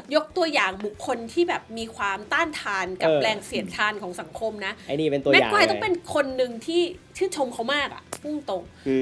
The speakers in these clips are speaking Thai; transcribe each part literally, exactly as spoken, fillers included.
ยกตัวอย่างบุคคลที่แบบมีความต้านทานกับแรงเสียดทานของสังคมนะไอ้นี่เป็นตัวอแม็กย่างควายต้องเป็นคนหนึ่งที่ชื่นชมเขามากอ่ะพุ่งตรงคือ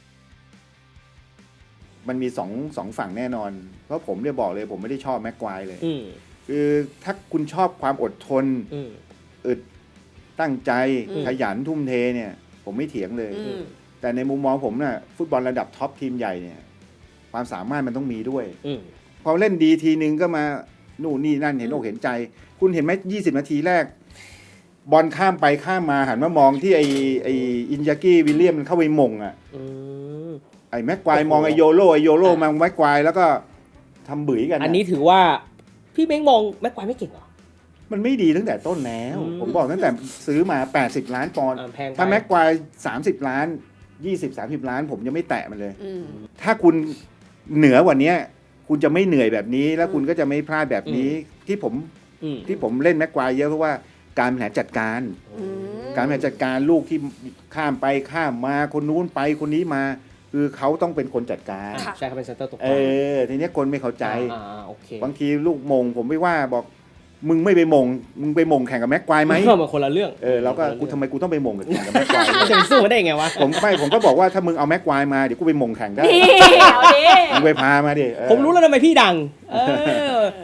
มันมีสองสองฝั่งแน่นอนเพราะผมเนี่ยบอกเลยผมไม่ได้ชอบแม็กควายเลยคือถ้าคุณชอบความอดทนอึดตั้งใจขยันทุ่มเทเนี่ยผมไม่เถียงเลยแต่ในมุมมองผมน่ะฟุตบอลระดับท็อปทีมใหญ่เนี่ยความสามารถมันต้องมีด้วยพอเล่นดีทีนึงก็มานู่นนี่นั่นเห็นอกเห็นใจคุณเห็นไหมยี่สิบนาทีแรกบอลข้ามไปข้ามมาหันมามองที่ไอไออินยากี้วิลเลียมมันเข้าไปมงอ่ะไอแม็กควายมองไอโยโรไอโยโรมองแม็กควายแล้วก็ทำบื่ยกันอันนี้ถือว่าพี่เม้งมองแม็กควายไม่เก่งหรอมันไม่ดีตั้งแต่ต้นแล้วผมบอกตั้งแต่ซื้อมาแปดสิบล้านปอนด์ถ้าแม็กควายสามสิบล้านยี่สิบ สามสิบล้านผมยังไม่แตะมันเลยถ้าคุณเหนือกว่านี้คุณจะไม่เหนื่อยแบบนี้แล้วคุณก็จะไม่พลาดแบบนี้ที่ผมที่ผมเล่นแม็กควายเยอะเพราะว่าการบริหารจัดการการบริหารจัดการลูกที่ข้ามไปข้ามมาคนนู้นไปคนนี้มาคือเขาต้องเป็นคนจัดการใช่เขาเป็นเซนเตอร์ตกเออทีนี้คนไม่เข้าใจบางทีลูกมงผมไม่ว่าบอกมึงไม่ไปมงมึงไปมงแข่งกับแม็กควายไหมมันคนละเรื่องเออแล้วก็กูทำไมกูต้องไปมงกับแข่งกับแม็กควายจะไปสู้มันได้ไงวะผมไม่ผมก็บอกว่าถ้ามึงเอาแม็กควายมาเดี๋ยวกูไปมงแข่งได้มึงไปพามาดิผมรู้แล้วทำไมพี่ดังเออ